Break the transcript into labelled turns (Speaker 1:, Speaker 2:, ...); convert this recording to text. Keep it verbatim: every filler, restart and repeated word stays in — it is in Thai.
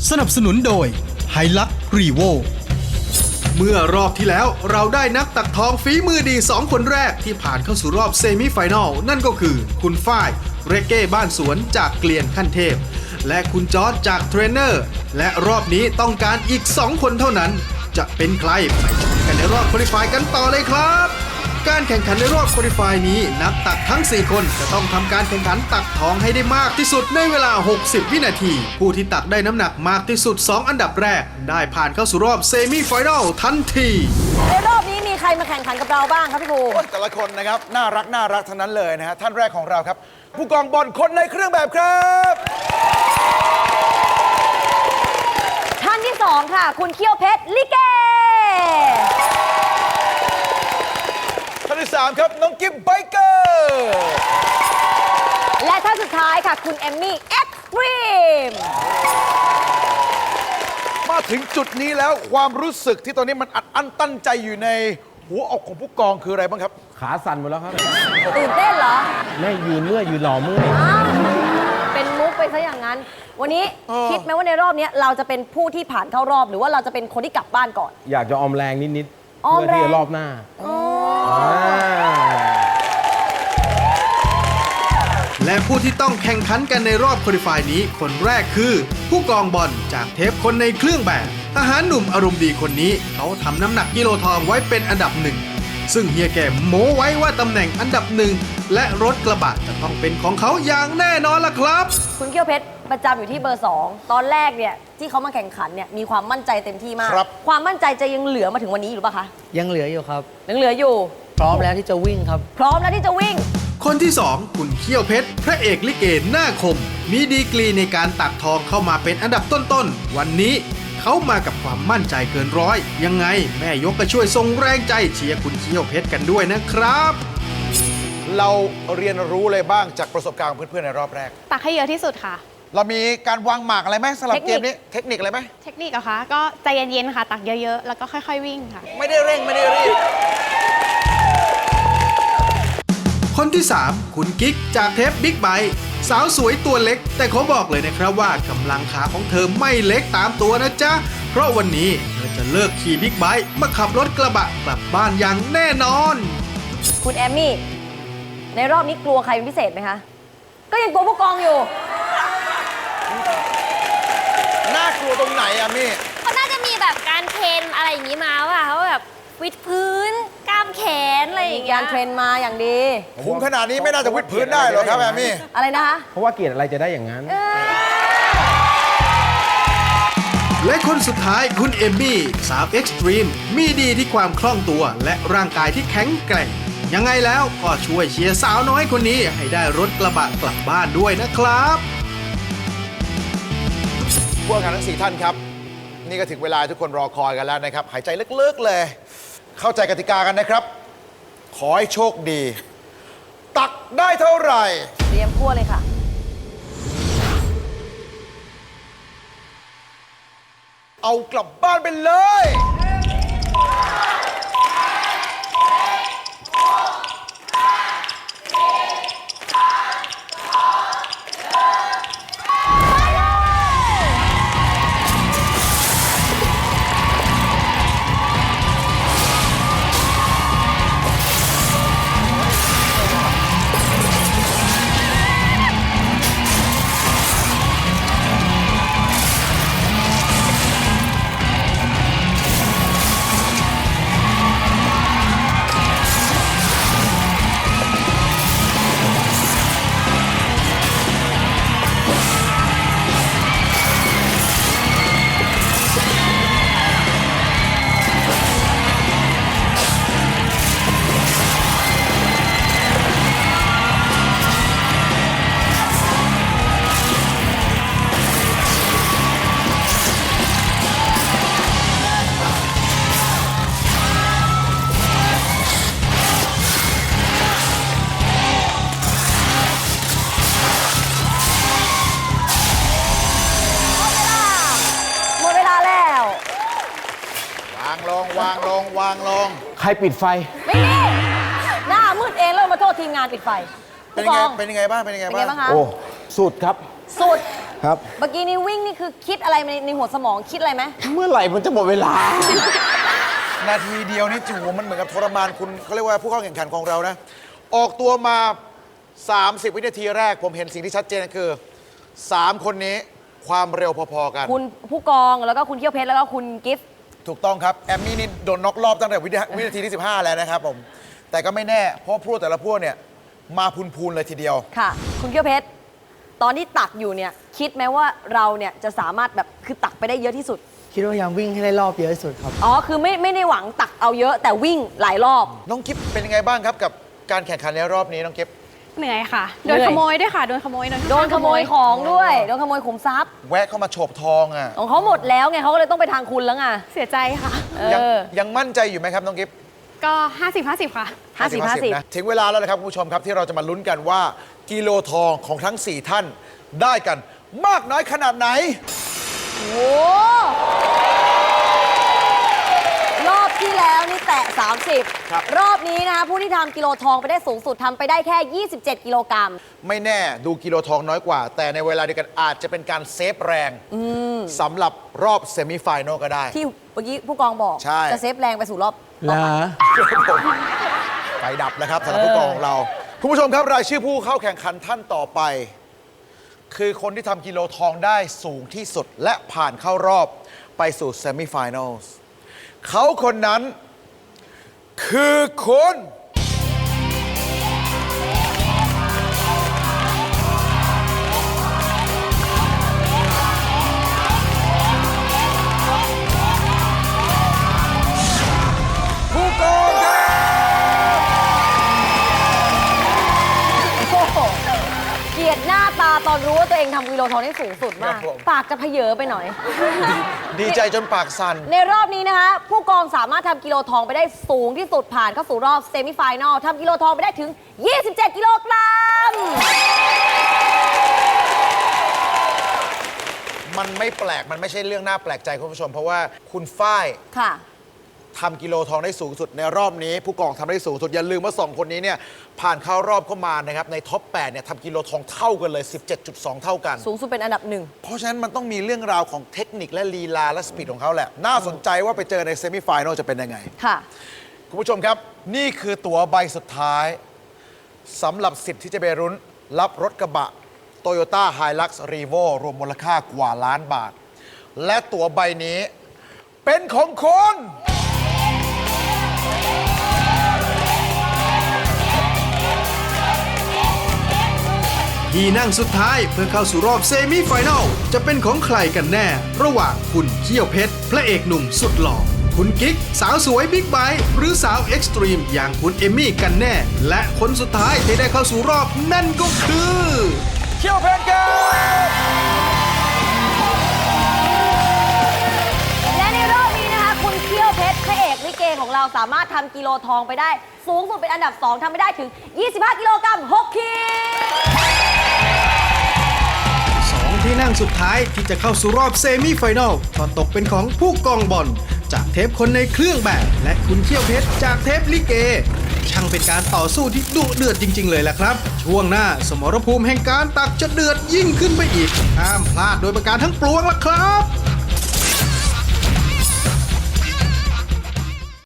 Speaker 1: สนับสนุนโดยไฮลักรีโวเมื่อรอบที่แล้วเราได้นักตักทองฝีมือดีสองคนแรกที่ผ่านเข้าสู่รอบเซมิไฟแนลนั่นก็คือคุณฝ้ายเรเก้บ้านสวนจากเกลียนขั้นเทพและคุณจอร์จจากเทรนเนอร์และรอบนี้ต้องการอีกสองคนเท่านั้นจะเป็นใครไปชมกันในรอบควอลิฟายกันต่อเลยครับการแข่งขันในรอบควอลิฟายนี้นักตักทั้งสี่คนจะต้องทำการแข่งขันตักทองให้ได้มากที่สุดในเวลาหกสิบวินาทีผู้ที่ตักได้น้ำหนักมากที่สุดสองอันดับแรกได้ผ่านเข้าสู่รอบเซมิไฟแนลทันที
Speaker 2: ในรอบนี้มีใครมาแข่งขันกับเราบ้างครับพี่ภู
Speaker 3: แต่ละคนนะครับน่ารักน่ารักทั้งนั้นเลยนะฮะท่านแรกของเราครับผู้กองบอลคนในเครื่องแบบครับ
Speaker 2: ท่านที่สองค่ะคุณเขี้ยวเพชรลิเก
Speaker 3: ท่านที่สามครับน้องกิฟไบเกอร์
Speaker 2: และท่านสุดท้ายค่ะคุณเอมมี่เอ็กซ์ตรีม
Speaker 3: มาถึงจุดนี้แล้วความรู้สึกที่ตอนนี้มันอัดอั้นตั้นใจอยู่ในหัวอกของผู้กองคืออะไรบ้างครับ
Speaker 4: ขาสั่นหมดแล้วครับ
Speaker 2: ตื่นเต้นเหรอ
Speaker 4: ไม่ยืนเมื่อยยืนหล่อเมื่อย
Speaker 2: เป็นมุกไปซะอย่างนั้น วันนี้คิดไหมว่าในรอบนี้เราจะเป็นผู้ที่ผ่านเข้ารอบหรือว่าเราจะเป็นคนที่กลับบ้านก่อน
Speaker 4: อยากจะออมแรงนิดๆเพื่อที่จะรอบหน้า
Speaker 1: และผู้ที่ต้องแข่งขันกันในรอบควอลิฟายนี้คนแรกคือผู้กองบอลจากเทปคนในเครื่องแบบทหารหนุ่มอารมณ์ดีคนนี้เขาทำน้ำหนักกิโลทองไว้เป็นอันดับหนึ่งซึ่งเฮียแกโม้ไว้ว่าตำแหน่งอันดับหนึ่งและรถกระบะจะต้องเป็นของเขาอย่างแน่นอนล่ะครับ
Speaker 2: คุณเขี้ยวเพชรประจำอยู่ที่เบอร์สองตอนแรกเนี่ยที่เขามาแข่งขันเนี่ยมีความมั่นใจเต็มที่มากความมั่นใจจะยังเหลือมาถึงวันนี้อยู่หรือเปล่าคะ
Speaker 5: ยังเหลืออยู่ครับ
Speaker 2: ยังเหลืออยู่
Speaker 5: พร้อมแล้วที่จะวิ่งครับ
Speaker 2: พร้อมแล้วที่จะวิ่ง
Speaker 1: คนที่สองคุณเขี้ยวเพชรพระเอกลิเกหน้าคมมีดีกรีในการตักทองเข้ามาเป็นอันดับต้นๆวันนี้เขามากับความมั่นใจเกินร้อยยังไงแม่ยกก็ช่วยส่งแรงใจเชียร์คุณเขี้ยวเพชรกันด้วยนะครับ
Speaker 3: เราเรียนรู้เลยบ้างจากประสบการณ์ของเพื่อนๆในรอบแรก
Speaker 6: ตักให้เยอะที่สุดค่ะ
Speaker 3: เรามีการวางหมากอะไรไหมสำหรับเกมนี้เทคนิคอะไรไหม
Speaker 6: เทคนิคเหรอคะก็ใจเย็นๆค่ะตักเยอะๆแล้วก็ค่อยๆวิ่งค่ะ
Speaker 3: ไม่ได้เร่งไม่ได้รีบ
Speaker 1: คนที่สามคุณกิ๊กจากเทปบิ๊กไบค์สาวสวยตัวเล็กแต่ขอบอกเลยนะครับว่ากำลังขาของเธอไม่เล็กตามตัวนะจ๊ะเพราะวันนี้เธอจะเลิกขี่บิ๊กไบค์มาขับรถกระบะกลับบ้านอย่างแน่นอน
Speaker 2: คุณแอมมี่ในรอบนี้กลัวใครเป็นพิเศษไหมคะก็ยังกลัวผู้กองอยู่
Speaker 3: น่ากลัวตรงไหนอะมี่
Speaker 6: เขาน่าจะมีแบบการเทรนอะไรอย่างนี้มาว่าเขาแบบวิดพื้นกล้ามแขนอะไรอย่างเงี้ย
Speaker 2: การเทรนมาอย่างดี
Speaker 3: คุ้มขนาดนี้ไม่น่าจะวิดพื้นได้หรอกครับแอมมี่
Speaker 2: อะไรนะคะ
Speaker 4: เพราะว่าเกียรติอะไรจะได้อย่างนั้น
Speaker 1: และคนสุดท้ายคุณเอมมี่สาวเอ็กซ์ตรีมมีดีที่ความคล่องตัวและร่างกายที่แข็งแกร่งยังไงแล้วก็ช่วยเชียร์สาวน้อยคนนี้ให้ได้รถกระบะกลับบ้านด้วยนะครับ
Speaker 3: พวกกันทั้งสี่ท่านครับนี่ก็ถึงเวลาทุกคนรอคอยกันแล้วนะครับหายใจลึกๆเลยเข้าใจกติกากันนะครับขอให้โชคดีตักได้เท่าไหร่
Speaker 2: เตรียมพั่วเลยค่ะ
Speaker 3: เอากลับบ้านไปเลยวางลงวางลง
Speaker 4: ใครปิดไฟ
Speaker 2: ไม่มีหน้ามืดเองแล้วมาโทษทีมงานปิดไฟ
Speaker 3: เป็นยังไงเป็นยังไงบ้างเป็นยังไงบ้าง
Speaker 4: โอ้สุดครับ
Speaker 2: สุด
Speaker 4: ครับ
Speaker 2: เมื่อกี้นี้วิ่งนี่คือคิดอะไรในในหัวสมองคิดอะไรไหม
Speaker 4: เมื่อไหร่มันจะหมดเวลา
Speaker 3: นาทีเดียวนี่จูมันเหมือนกับทรมานคุณเขาเรียกว่าผู้เข้าแข่งขันของเรานะ ออกตัวมา สามสิบ วินาทีแรกผมเห็นสิ่งที่ชัดเจนคือ สาม คนนี้ความเร็วพอๆกัน
Speaker 2: คุณผู้กองแล้วก็คุณเขี้ยวเพชรแล้วก็คุณกิฟต์
Speaker 3: ถูกต้องครับ แอมมี่นี่โดนน็อกรอบตั้งแต่วินาวินาทีที่ สิบห้า แล้วนะครับผม แต่ก็ไม่แน่ เพราะพวกแต่ละพวกเนี่ยมาพูนๆเลยทีเดียว
Speaker 2: ค่ะ คุณเขี้ยวเพชรตอนที่ตักอยู่เนี่ยคิดไหมว่าเราเนี่ยจะสามารถแบบคือตักไปได้เยอะที่สุด
Speaker 5: คิดว่าพยายามวิ่งให้ได้รอบเยอะที่สุดครับ
Speaker 2: อ๋อคือไม่ไม่ได้หวังตักเอาเยอะแต่วิ่งหลายรอบ
Speaker 3: น้องกิฟเป็นยังไงบ้างครับกับการแข่งขันในรอบนี้น้องกิฟ
Speaker 7: เหนื่อยค่ะ
Speaker 2: เหนื่
Speaker 7: โด
Speaker 2: อย
Speaker 7: นขโมยด้วยค่ะ โดนขโมย
Speaker 2: โดนขโมยของด้วยโดนขโมยขุมทรัพย์
Speaker 3: แวะเข้ามาโฉบทองอ่ะ
Speaker 2: ของเขาหมดแล้วไงเขาก็เลยต้องไปทางคุณแล้วไง
Speaker 7: เสียใจค่ะ
Speaker 2: เอ
Speaker 3: ยัง
Speaker 2: อ
Speaker 3: ยังมั่นใจอยู่ไหมครับน้องกิฟ
Speaker 7: ก็ ห้าสิบ ห้าสิบ ค่ะ
Speaker 2: ห้าสิบห้าสิบ
Speaker 3: นะถึงเวลาแล้วนะครับคุณผู้ชมครับที่เราจะมาลุ้นกันว่ากิโลทองของทั้ง สี่ ท่านได้กันมากน้อยขนาดไหน
Speaker 2: โอ้รอบที่แล้วนี่แตะ สามสิบ
Speaker 3: ครับ
Speaker 2: รอบนี้นะคะผู้ที่ทำกิโลทองไปได้สูงสุดทำไปได้แค่ ยี่สิบเจ็ด กิโลกรัม
Speaker 3: ไม่แน่ดูกิโลทองน้อยกว่า แต่ในเวลาเดียวกันอาจจะเป็นการเซฟแรงสำหรับรอบเซมิไฟแนลก็ได้
Speaker 2: ที่เมื่อกี้ผู้กองบอก
Speaker 3: ใช่
Speaker 2: จะเซฟแรงไปสู่รอบ
Speaker 4: ลา
Speaker 3: ไฟดับแล้วครับสำหรับผู้กองของเรา คุณผู้ชมครับรายชื่อผู้เข้าแข่งขันท่านต่อไป คือคนที่ทำกิโลทองได้สูงที่สุด และผ่านเข้ารอบไปสู่เซมิไฟแนลเขาคนนั้น คือคุณ ผู้กองครับ
Speaker 2: โอ้โหเกลียดหน้าตาตอนรู้ว่าตัวเองทำกิโลทองได้สูงสุดมาก ปากจะเพเยอไปหน่อย
Speaker 3: ดีใจจนปากสั่น
Speaker 2: ในรอบนี้นะคะ ผู้กองสามารถทำกิโลทองไปได้สูงที่สุดผ่านเข้าสู่รอบเซมิไฟแนลทำกิโลทองไปได้ถึง ยี่สิบเจ็ด กิโลกรัม
Speaker 3: มันไม่แปลก มันไม่ใช่เรื่องน่าแปลกใจคุณผู้ชม เพราะว่าคุณฝ้าย
Speaker 2: ค่ะ
Speaker 3: ทำกิโลทองได้สูงสุดในรอบนี้ ผู้กองทำได้สูงสุด อย่าลืมว่าสองคนนี้เนี่ยผ่านเข้ารอบเข้ามานะครับในท็อปแปดเนี่ยทำกิโลทองเท่ากันเลย สิบเจ็ดจุดสอง เท่ากัน
Speaker 2: สูงสุดเป็นอันดับหนึ่ง
Speaker 3: เพราะฉะนั้นมันต้องมีเรื่องราวของเทคนิคและลีลาและสปีดของเขาแหละ น่าสนใจว่าไปเจอในเซมิไฟแนลจะเป็นยังไง
Speaker 2: ค่ะ
Speaker 3: คุณผู้ชมครับ นี่คือตั๋วใบสุดท้ายสำหรับสิทธิ์ที่จะไปรุ้นรับรถกระบะ Toyota Hilux Revo รวมมูลค่ากว่าล้านบาท และตั๋วใบนี้เป็นของคุณ
Speaker 1: ที่นั่งสุดท้ายเพื่อเข้าสู่รอบเซมิไฟแนลจะเป็นของใครกันแน่ ระหว่างคุณเขี้ยวเพชรพระเอกหนุ่มสุดหล่อคุณกิ๊กสาวสวยบิ๊กไบค์หรือสาวเอ็กซ์ตรีมอย่างคุณเอมมี่กันแน่ และคนสุดท้ายที่ได้เข้าสู่รอบนั่นก็คือ
Speaker 3: เขี้ยวเพชรครับ
Speaker 2: และในรอบนี้นะคะ คุณเขี้ยวเพชรพระเอกลิเกของเราสามารถทำกิโลทองไปได้ สูงสุดเป็นอันดับ สองทำไปได้ถึง ยี่สิบห้า กิโลกรัม หก ขีด
Speaker 1: สองที่นั่งสุดท้ายที่จะเข้าสู่รอบเซมิไฟแนลก็ตกเป็นของผู้กองบอลจากเทปคนในเครื่องแบบ และคุณเขี้ยวเพชรจากเทปลิเก ช่างเป็นการต่อสู้ที่ดุเดือดจริงๆเลยแหละครับ ช่วงหน้าสมรภูมิแห่งการตักจะเดือดยิ่งขึ้นไปอีกห้ามพลาดโดยประการทั้งปวงล่ะครับ